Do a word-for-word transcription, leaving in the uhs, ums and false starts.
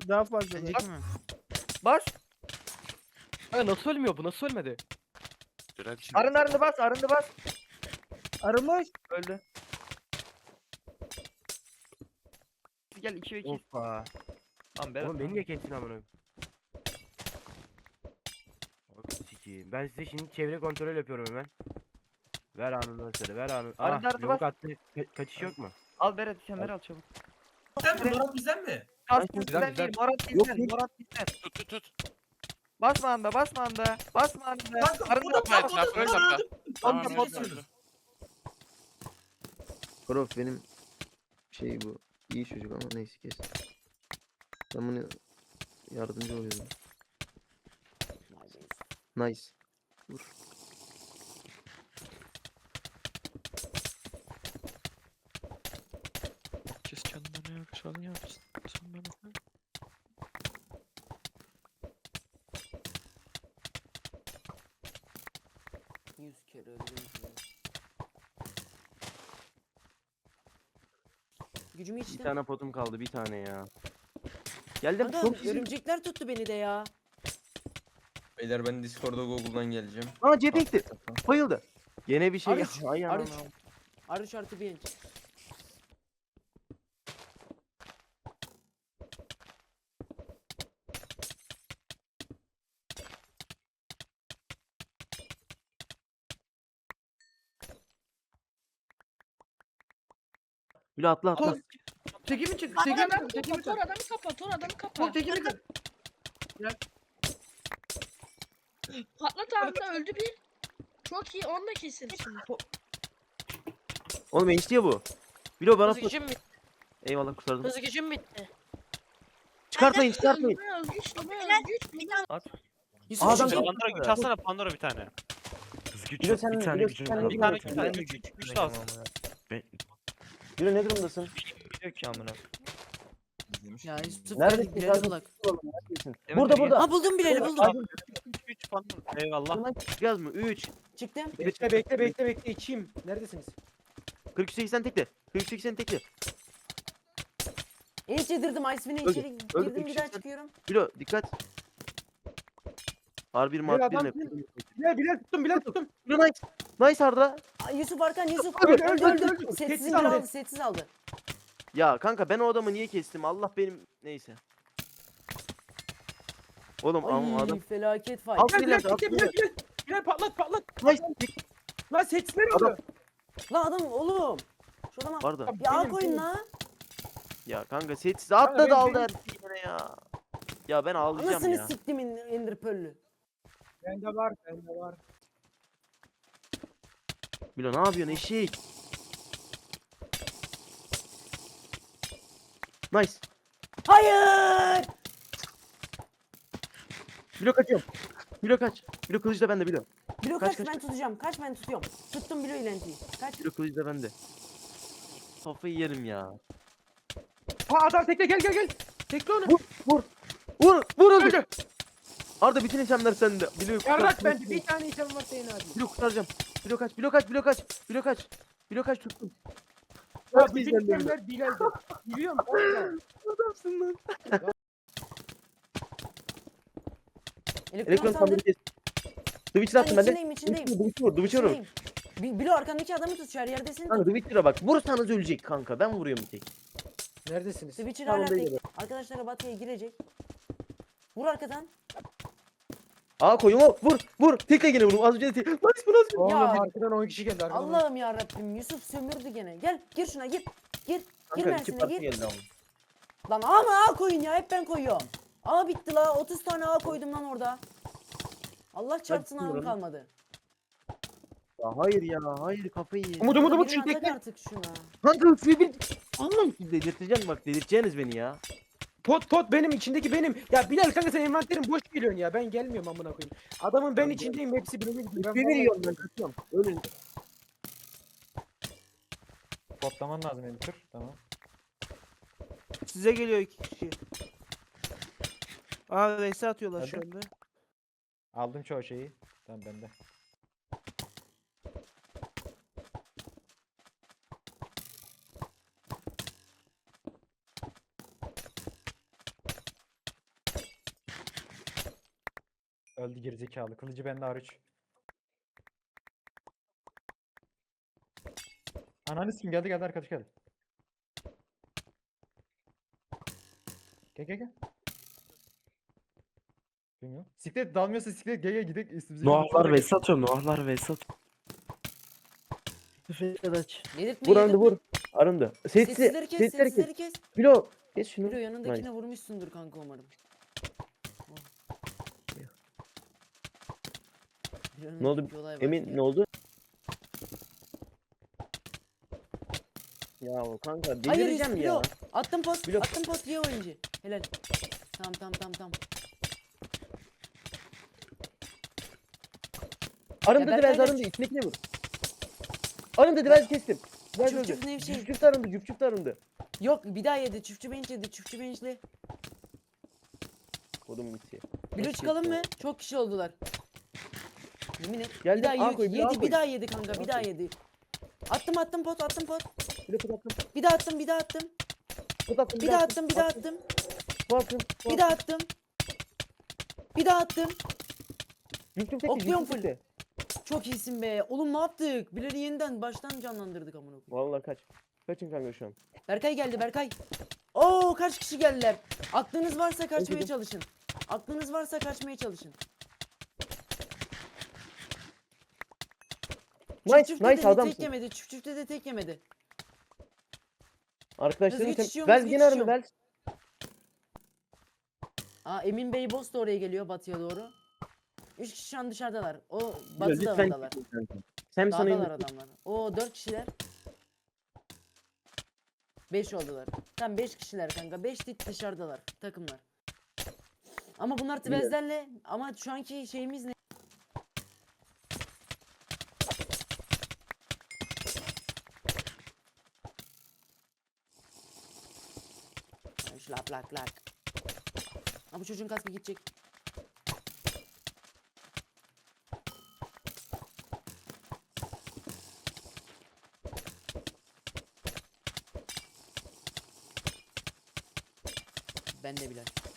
Daha fazla. Önceki mi? Bas. Ha, nasıl ölmüyor bu? Nasıl ölmedi? Dirençli. Arın arındı bas. Arındı bas. Arımış. Öldü. Gel iki ve iki. Hoppa. Tamam Berat. Oğlum beni niye kestin amına? Bak sikeyim. Ben size şimdi çevre kontrol yapıyorum hemen. Ver anını söyle, ver anını. Arada Ah, arada yumruk bas. attı. Ka- kaçış yok mu? Al Berat kemer al çabuk. Bizden mi? Murat bizden mi? Kas Güzel, bizden güzel. değil. Murat Yok, bizden. değil. Murat bizden. Tut tut tut. Basma anda basma anda. Basma anda. Kanka Arındı burada Evet, bas. laf öyle laf. Tamam Tamam, evet, tamam. öldü. Prof benim şey bu. İyi çocuk ama neyse kes. Ben bunu yardımcı oluyorum. Nice. Vur. Herkes kendine yakışanı yapsın. Sen bana. Yüz kere öldüm. Gücümü Bir içtim. tane potum kaldı, bir tane ya. Geldim. Kanka Çok iyi. örümcekler tuttu beni de ya. Beyler ben Discord'a Google'dan geleceğim. Aa cephe gitti. Bayıldı. Gene bir şey. Arış, Ay Arış. anam. Arış artı bir. Bile atla atla. Kol. Teki mi çık? Teki mi çık? Teki mi Tor çık? adamı kapa. Tor adamı kapa. Kol teki mi çık? Patlat anında öldü bir. Çok iyi. Onu da kesin şimdi. Oğlum enişte ya bu. Bilo bana Hız tut. gücüm bitti. Eyvallah kurtardım. Hız gücüm bitti. Çıkartmayın çıkartmayın. Öldürme özgüç. Öldürme özgüç. Yusuf Adam- çık. Pandora güç alsana Pandora bir tane. Bilo sen bir tane Bilo gücün sen kaldı. Bir tane Bilo güç sen- al. Güç, güç lazım. Bilo ne durumdasın? Gidiyor ki amına. Ya Yusuf Neredesin? gel Bilal'e Zaten- bulak. Neredesin? Evet, Burada evet. burada. Ha buldum Bilal'i buldum. Güç güç Pandora. Eyvallah. Çıkacağız mı? üç. Çıktım. Bekle bekle bekle bekle içeyim. Neredesiniz? kırk üç seksen tekle. kırk üç seksen tekle. İyi yedirdim Iceman'e Öldü, içeri öldü, girdim bir öldü. daha çıkıyorum. Bilo dikkat. R bir mat adam birine. Bilal Bilal tuttum Bilal tuttum. Bilo nice. Nice Arda. Ay, Yusuf Arkan Yusuf. Öldü, Öldü öldü, öldü. öldü. Sessiz Sessiz indir aldı. aldı sessiz aldı. Ya kanka ben o adamı niye kestim? Allah benim neyse. Oğlum ama Ay adam felaket fight. Al Bilal Bilal Bilal, al Bilal Bilal. Bilal. Bilal patlat patlat. nice. Lan seçsinler Adam- onu. Lan adam oğlum. Şu adama Arda. bir ağ Benim, koyun benim. lan. Ya kanka setsiz atladı benim- aldı benim- her şeyi yine ya. Ya ben ağlayacağım Anasını ya. siktim Ender Pearl'ü. Bende var bende var. Bilo ne yapıyorsun eşek? Nice. Hayır. Bilo kaçıyorum. Bilo kaç. Bilo kılıç da bende Bilo. Bilo Kaç, kaç, kaç, ben tutacağım. Kaç ben tutuyorum. Tuttum Bilo ilentiyi. Kaç. Bilo kılıç da bende. Kafayı yerim ya. Ha adam tekle gel gel gel. Tekle onu. Vur vur. Vur vur öldü. Öldü. Arda bütün itemler sende. Bilo Yarrak kurtar. bende. Bir tane item var senin abi. Bilo kurtaracağım. Bilo kaç. Bilo kaç. Bilo kaç. Bilo kaç. Bilo kaç tuttum. Ya Kaç bütün bizden de itemler Bilal'de. Biliyorum. orada. Adamsın lan. Elektron Elektron sandır. sandalye kes. Twitch'e Ben attım ben de. içindeyim içindeyim. Twitch'e vur. Twitch'e vur. İçindeyim. Bi- Bilo arkandaki adamı tut şu her yerdesin. Kanka Twitch'e bak. Vursanız ölecek kanka. Ben vuruyorum bir tek. Neredesiniz? Switcher Tamam, hala değil tek. mi? Arkadaşlar Batı'ya girecek. Vur arkadan. Aa koyun o. Vur. Vur. Tekle gene vur. Az önce tek. Nice bu nasıl? Oğlum Ya. arkadan on kişi geldi arkadan. Allah'ım ya Rabbim Yusuf sömürdü gene. Gel gir şuna gir. Gir. Gir Kanka iki Mersin'e parti gir. geldi ama. Lan A mı A koyun ya hep ben koyuyorum. A bitti la otuz tane A koydum lan orada. Allah çarpsın A'm buyurun. kalmadı. Ya hayır ya. Hayır kafayı ye. Umut umut umut Birini şu atak tekle. artık şuna. Kanka suyu bir... Allah'ım delirteceğim bak. Delirteceğiniz beni ya. Pot pot benim içindeki benim. Ya Bilal kanka sen envanterin boş geliyorsun ya. Ben gelmiyorum amına koyayım. Adamın ben içindeyim hepsi birbirine gidiyor. Ben Bir vallahi- veriyorum ben kaçıyorum. Ölün. Potlaman lazım Enter. Tamam. Size geliyor iki kişi. Aa Vs atıyorlar şu Hadi. anda. Aldım çoğu şeyi. Tamam bende. Öldü gerizekalı. Kılıcı bende hariç. Ananı sikim geldi geldi arkadaş geldi. Gel gel gel. Bilmiyorum. Siklet dalmıyorsa siklet gel gel gidek üstümüze. Noahlar ve satıyorum. Noahlar ve satıyorum. Arkadaş. Yedirtme Vur Arındı yedirtme. vur. Arındı. Sesli. Sessizleri kes Sesleri kes. sessizleri kes. Bilo. Kes şunu. Bilo yanındakine Nice. vurmuşsundur kanka umarım. Oh. Bilo'nun Ne oldu? bir olay var. Emin ne oldu? Ya kanka Hayır delireceğim Bilo. ya. Attım post. Bilo. Attım post diye oyuncu. Helal. Tamam tamam tamam tamam. Arındı Ya Divez Berkay arındı. İçindekine vur. Arındı Divez kestim. Divez Çuf öldü. çuf Nevşehir. Cüp cüp de arındı. Cüp cüp de arındı. Yok bir daha yedi. Çiftçi bench yedi. Çiftçi benchli. Kodum gitti. Bilo çıkalım mı? Çok kişi oldular. Yemin et. Geldim, Bir daha A yedi. koy, bir A yedi koy. bir daha yedi kanka. A Bir daha koy. yedi. Attım attım pot attım pot. Bilo pot attım. Bir daha attım bir daha attım. Pot attım. Bir daha attım bir daha attım. Pot attım. Bir daha attım. Bir daha attım. Cüp cüp tekti. Okluyorum Cüp cüp full. tekti. Çok iyisin be. Oğlum ne yaptık? Bilal'i yeniden baştan canlandırdık amına koyayım. Vallahi kaç. Kaçın kanka şu an. Berkay geldi Berkay. Oo kaç kişi geldiler? Aklınız varsa kaçmaya Öldürdüm. çalışın. Aklınız varsa kaçmaya çalışın. Nice Çift çiftte nice de tek adamsın. yemedi. Çift çiftte de tek yemedi. Arkadaşlarım Hızlı tem... geçişiyorum, Vel hızlı yine arındı geçişiyorum. Vel. Aa Emin Bey Boss da oraya geliyor batıya doğru. Üç kişi şu an dışarıdalar. O Bilo, batı lütfen dağındalar. gitme kanka. Sen sana Dağdalar indir. adamlar. O dört kişiler. Beş oldular. Tam beş kişiler kanka. Beş dik dışarıdalar takımlar. Ama bunlar tvezlerle ama şu anki şeyimiz ne? Ay, Şlap lak lak. Ha bu çocuğun kaskı gidecek. Ben de Bilal.